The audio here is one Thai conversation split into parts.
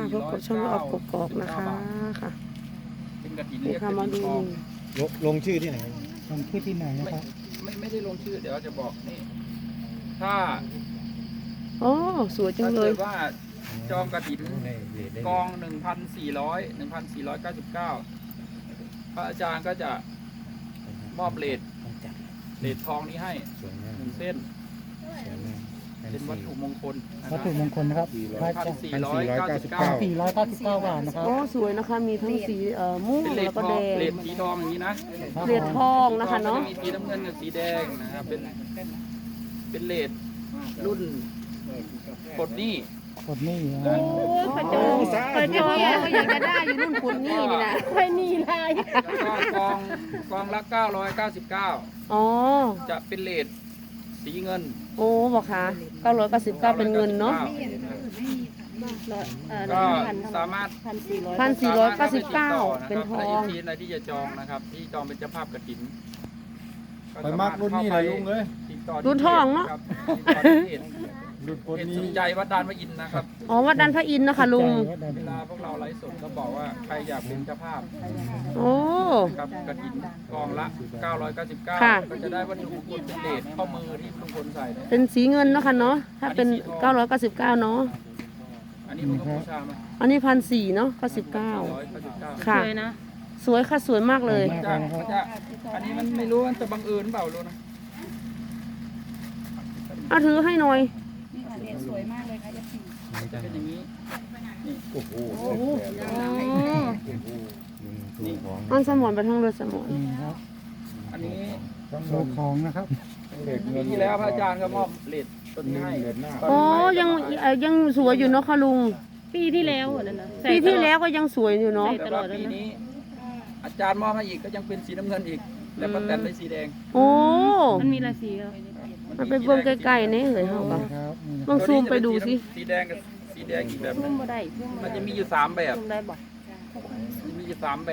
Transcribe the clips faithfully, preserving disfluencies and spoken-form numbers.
พบกับช่องออกกอกๆนะคะค่ะเป็นกระถินนี่เรียกค่ะกมาระถินดูทองลงลงชื่อที่ไหนลงที่ที่ไหนนะครับไม่ไม่ได้ลงชื่อเดี๋ยวจะบอกนี่ถ้าโอ้สวยจัถ้างเลเกิยดว่าจองกระถินได้เลทได้กองหนึ่งพันสี่ร้อยหนึ่งพันสี่ร้อยเก้าสิบเก้าพระอาจารย์ก็จะมอบเลทต้องจัดเลททองนี้ให้สวยมากหนึ่งเส้นสวยมากเป็นวัตถุมงคลนะควัรัตบถุมงคลนะครับพระพันเจ้าสี่ร้อยเก้าสิบเก้าสี่ร้อยเก้าสิบเก้าบาทนะครับโอ้สวยนะคะมีทั้งสีเอ่อม่วงเป็นเลแล้ทวก็ทอแดงงเลทสีทองอย่างนี้นะเหรียญทองนะคะเนาะมีสีน้ำเงินกับสีแดงนะครับเป็นเป็นเลทรุ่นปลดหนี้กดนี่นะโอ้พระเจ้าพระเจ้าก็อยากจะได้อยู่รุ่นคุณนี่นี่นะใครนี่ลายแล้วก็กองกองละเก้าร้อยเก้าสิบเก้าอ๋อจะเป็นเลทสีเงินโอ้บอกค่ะเก้าร้อยเก้าสิบเก้าเป็นเงินเนาะก็สามารถพันสี่ร้อยเก้าสิบเก้าเป็นทองทีอะไรที่จะจองนะครับ ที่จองเป็นเจ้าภาพกฐินไปมากรุ่นนี้เลยลุงเอ้ยติดต่อที่รุ่นทองเนอะครับติดต่อที่เพจรุ่นคนเพจนี้สุนใจวัดดานพระอินทร์นะครับอ๋อวัดดันพระอินทร์นะคะลุงเวลาพวกเราไลฟ์สดก็บอกว่าใครอยากเป็นเจ้าภาพโอ้ครับกฐินกองละเก้าร้อยเก้าสิบเก้าค่ะก็จะได้วัตถุมงคลเป็นเลทข้อมือที่ลุงพลใส่เนี่ยเป็นสีเงินเนาะค่ะเนาะถ้าเป็นเก้าร้อยเก้าสิบเก้าเนาะอันนี้มันก็บูชามาอันนี้พันสี่เนาะเก้าสิบเก้าร้อยเก้าสิบเก้าค่ะ สวยค่ะสวยมากเลยจะมันจะอันนี้มันไม่รู้มันจะบังเอิญเปล่ารู้นะเอาถือให้หน่อยจะเป็นอย่างนี้โอ้โหอ๋อลุงถูกของอันสมอนไปทั้งเรือสมอนนี่ครับอันนี้โชว์ของนะครับเลทปีเงินที่แล้วพระอาจารย์ก็มอบเลทต้นนี้ให้เลทหน้าอ๋อยังเอ่อยังสวยอยู่เนาะค่ะลุงปีที่แล้วเหรอนั่นนะปีที่แล้วก็ยังสวยอยู่เนาะแต่ว่าปีนี้ อาจารย์มอบให้อีกก็ยังเป็นสีน้ำเงินอีก และป้าแตนได้สีแดงโอ้มันมีราศีเหรอมันไปเบิ่งใกล้ๆนี่เฮ้ยเฮาก็ครับนี่นะลองซูมไปดูสิสีแดงกับสีแดงอีกแบบหนึพุ่งมบ่ได้พุ่มมันจะมีอยู่สามแบบพุ่มได้บ่มันมีอยู่สามแบบ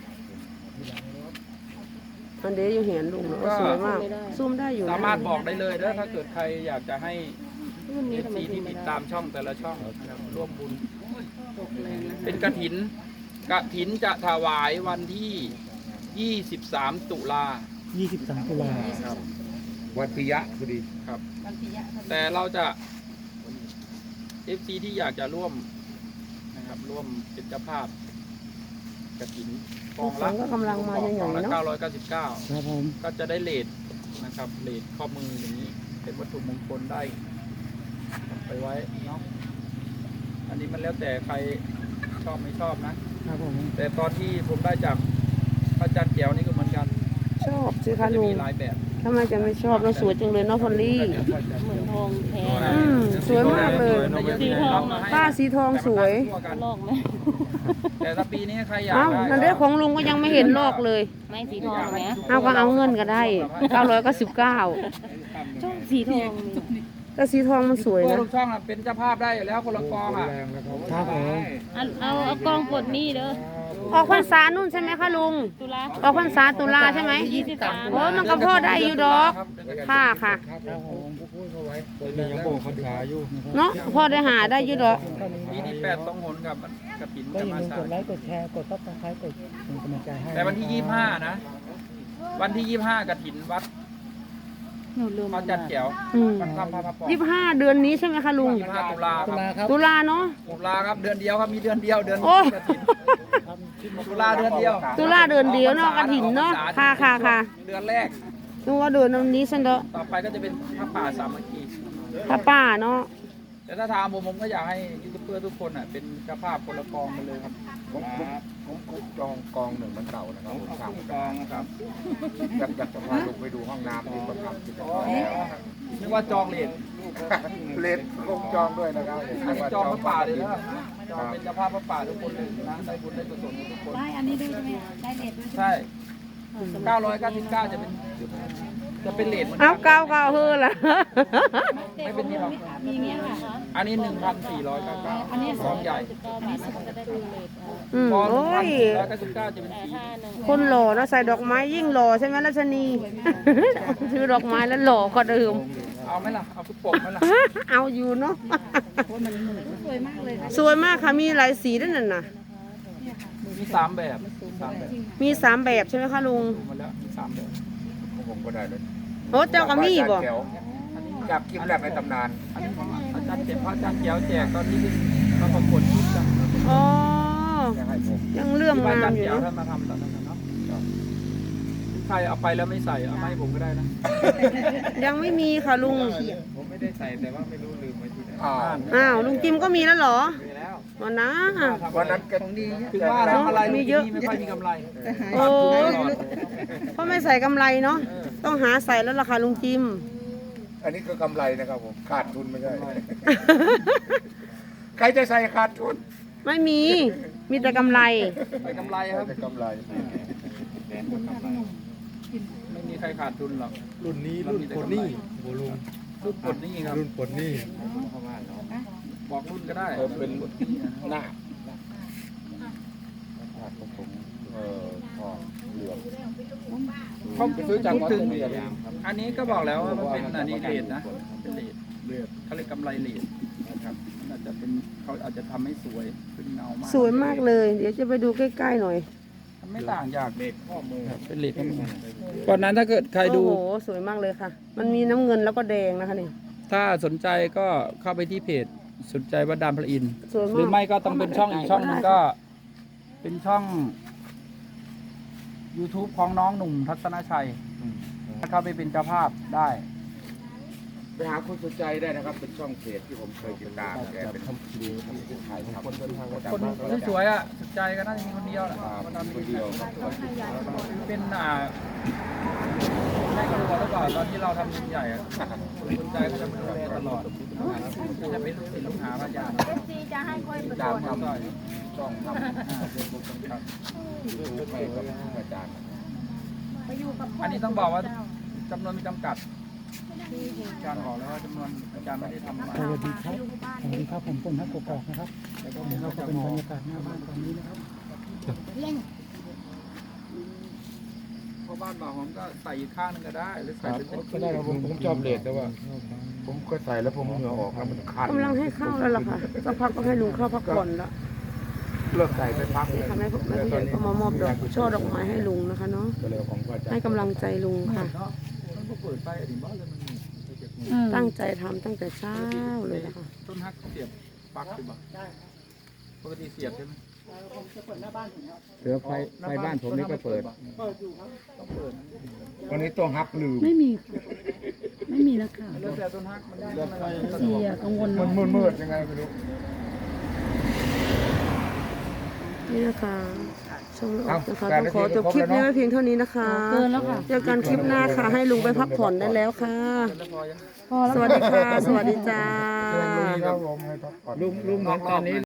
อันเดียวอยู่เห็นลุงเนาะสวยมากซูมได้อยู่นะสามารถบอกได้เลยนะถ้าเกิดใครอยากจะให้รุ่นเอนี้ฟทำไมซีพุ่ที่มไม่ติดได้ตามช่องแต่ละช่องนะครับร่วมบุญตกเลยนะเป็นกฐินกฐินจะถวายวันที่ยี่สิบสามตุลายี่สิบสามตุลาครับวันปิยะพอดีครับ แต่เราจะ เอฟซี ที่อยากจะร่วมนะครับร่วมเป็นเจ้าภาพกฐินกองละก็กำลังมาใหญ่ๆเนาะเก้าร้อยเก้าสิบเก้าครับผมก็จะได้เลทนะครับเลทข้อมืออย่างนี้ เป็นวัตถุมงคลได้ไปไว้เนาะอันนี้มันแล้วแต่ใครชอบไม่ชอบนะครับผมแต่ตอนที่ผมได้จากพระอาจารย์แก้วนี่ก็เหมือนกันชอบสิก็คะจะลุงมีหลายแบบทำไมจะไม่ชอบเราสวยจังเลยเนาะพอลลี่เหมือนทองแท้อืมสวยมากเลยสีทองอะผ้าสีทองสวยลอกไหมแต่ถ้าปีนี้ใครอยากเอ้าได้นั่นเรื่องของลุงก็ยังไม่เห็นลอกเลยไม่สีทองไหมเอาก็เอาเงินก็ได้เก้าร้อยเก้าสิบเก้าชอบสีทองนี่แต่สีทองมันสวยตัวนะลูกช่องอะเป็นเจ้าภาพได้อยู่แล้วคนละกองอ่ะแรงแล้วครับครับผมเอาเอาเอากองปลดหนี้เด้อออกพรรษานู่นใช่ไหมคะลุงตุลาออกพรรษาตุลาใช่ไหมยี่สิบสามโอ้มันก็พอได้อยู่ดอก ค่ะค่ะครับผมพูดเขาไว้ตัวนี้ยังโบกคนขาอยู่เนาะพอได้หาได้อยู่ดอกปีนี้แปดสองหนกับกระถินก็จะอย่ามาลืมสากดไลค์กดแชร์กดซับสไครต์กดเป็นกำลังใจให้แต่วันที่ยี่สิบห้านะ วันที่ยี่สิบห้ากระถินวัดหนูลืมพระจันทร์แก้วอืมวัดถ้ำพระพระปองยี่สิบห้าเดือนนี้ใช่ไหมคะลุงยี่สิบห้าตุลาคตุรับลาครับตุลาเนาะตุลาครับเดือนเดียวครับมีเดือนเดียวเดือนโอ้กระถินตุลาเดือนเดียวตุลาเดือนเดียวเนาะกระถินเนาะค่ะค่ะค่ะเดือนแรกนึกว่าเดือนนี้สันเดาะต่อไปก็จะเป็นพระป่าสามัคคีป้าป้าเนาะแต่ถ้าถามผมผมก็อยากให้ยูทูบเบอร์ทุกคนอ่ะเป็นเจ้าภาพคนละกองไปเลยครับผมผมผมจองกองหนึ่งมันเก่านะครับผมสั่งกองนะครับอยากอยากจะพาลูกไปดูห้องน้ำที่ประทับที่จะพอแล้วนะครับนึกว่าจองเลทเลทคงจองด้วยนะครับอันนี้จองพระป่าเลยนะจองเป็นเจ้าภาพพระป่าทุกคนเลยนะได้บุญได้กุศลทุกคนได้อันนี้ด้วยใช่ไหมได้เลทด้วยใช่ไหมใช่เก้าร้อยเก้าสิบเก้าจะเป็นจะเป็นเลทเหมือนเอากันเก้าเก้าเฮือละไม่เป็นนี่หรอกมีอย่างเงี้ยค่ะอันนี้หนึ่งพันสี่ร้อยเก้าเก้าอันนี้สองใหญ่อันนี้สุดจะได้ดูเลยอืมพอหนึ่โอ้งพันยสี่ร้อยเก้าสิบเก้าจะเป็นแต่สีถ้าหนึ่งคนหล่อเนาะใส่ดอกไม้ยิ่งหล่อใช่ไหมรัชนี ซื้อดอกไม้แล้วหล่อกว่าเดิมพเอาไหมล่ะเอาทุกปกไหมล่ะเอาอยู่เนาะสวยมากเลยค่ะสวยมากค่ะมีหลายสีด้วยนั่นน่ะมีสามแบบสามแบบมีสามแบบใช่ไหมคะลุงดูมาแล้วมีสามแบบผมก็ได้เลยโอ้เจ้าก็มีบ่จากคลิปแรกในตำนานอันนี้ของอาจารย์เจ็บพระอาจารย์เจียวแจกตอนนี้มาประกวดชุดกันอ๋อจะให้ผมยังเลื่อมที่อาจางาร มย์อยู่เจียวเนาะท่านมาทำตอนนั้นนะเนาะใครเอาไปแล้วไม่ใส่เอามาให้ผมก็ได้นะยังไม่มีค่ะลุงผมไม่ได้ใส่แต่ว่าไม่รู้ลืมไว้ที่ไหนอ่าอ้าวลุงจิมก็มีแล้วเหรอมีแล้ววันนะวันนั้นแกถึงว่าทำอะไรมีเยอะไม่ค่อยมีกำไรโอ้เพราะไม่ใส่กำไรเนาะต้องหาใส่แล้วล่ะค่ะลุงจิมอันนี้คือกำไรนะครับผมขาดทุนไม่ใช่ใครจะใส่ขาดทุนไม่มี มีแต่กำไรไปกำไรครับแต่กำไรไม่มีใครขาดทุนหรอกรุ่นนี้รุ่นปลดหนี้โบลุงรุ่นปลดหนี้ครับรุ่นปลดหนี้บอกรุ่นก็ได้เออเป็นหน้าเออพอเหลืองเขาไปซื้อจากพูดวัดถึงเรียนอันนี้ก็บอกแล้วว่ามันเป็นอันนี้เลดนะเป็นเลดเลดเขาเรียกกำไรเลดนะครับอาจจะเป็นเขาอาจจะทำให้สวยขึ้นเงามากสวยมากเลย เดี๋ยวจะไปดูใกล้ๆหน่อยมันไม่ต่างจากเลดข้อมือเป็นเลดข้อมือก่อนนั้นถ้าเกิดใครดูโอ้โหสวยมากเลยค่ะ มันมีน้ำเงินแล้วก็แดงนะคะนี่ถ้าสนใจก็เข้าไปที่เพจสนใจวัดดานพระอินทร์สวยมากหรือไม่ก็ต้องเป็นช่องอีกช่องหนึงก็ เป็นช่อง YouTube ของน้องหนุ่มทัศนชัยถ้าเข้าไปเป็นเจ้าภาพได้ไปหาคุณสุใจได้นะครับ เป็นช่องเพจที่ผมเคยติดตามแกเป็นทำดีทำถ่ายทำคนเดินทางมาจากคนบ้านที่สวยอ่ะสนใจก็น่าจะมีคนเดียวแหละครับคนทำคนเดียวครับเป็นอ่าแม่ครัวแล้วก่อนตอนที่เราทำยิ่งใหญ่อะสนใจเขาจะมาดูแลตลอดก็จะเป็นลูกศิษย์ลูกหาพระอาจารย์จะให้ค่อยไปตามทก็ำช่องทำเฟซบุ๊กครับยูทูบให้กับอาจารย์ไปอยู่กับอันนี้ต้องบอกว่าจำนวนมีจำกัดอาจารย์บอกแล้วว่าจำนวนอาจารย์ไม่ได้ทำมาสวัสดีครับสวัสดีครับผมต้นฮักกอกนะครับแล้วก็เดี๋ยวเราเราจะก็เป็นมอบรรยากาศหน้าบ้านตอนนี้นะครับเพราะบ้านบ่าวหอมก็ใส่อีกข้างหนึงก็ได้ หรือใส่เป็นก็ได้ครับผมผมชอบเลดแต่ว่า ผมก็ใส่แล้วผมเหงื่อออกแล้วมันคันกำลังให้เข้าแล้วล่ะค่ะสักพักก็ให้ลุงเข้าพักผ่อนแล้วเลิกใส่ไปพักนี่ค่ะแม่แม่ผู้ใหญ่ก็มามอบดอกช่อดอกไม้ให้ลุงนะคะเนาะก็เลยของพระอาจารย์ให้กำลังใจลุงค่ะเนาะมันก็เปิดไปอดีตบ้านเลยมันมีตั้งใจทำตั้งแต่เช้าเลยนะคะต้นฮักเสียบปลั๊กหรือเปล่าปกติเสียบใช่ไหมเสือไฟไฟบ้านผมนี่ก็เปิดต้องเปิดวันนี้ต้องฮักลืมไม่มีค่ะไม่มีแล้วค่ะแล้วแต่ต้นฮักมันมันเสียกังวลมันเนาะมืดๆยังไงไม่รู้นี่นะคะชมออกนะคะต้องขอจบคลิปนี้ไว้เพียงเท่านี้นะคะเกินแล้วค่ะเจอกันคลิปหน้าค่ะ ให้ลุงไปพักผ่อนได้แล้วค่ะแล้วพอยังพอแล้วสวัสดีค่ะ สวัสดีจ้าครับผมให้พักผ่อนลุงลุงเหมือนตอนนี้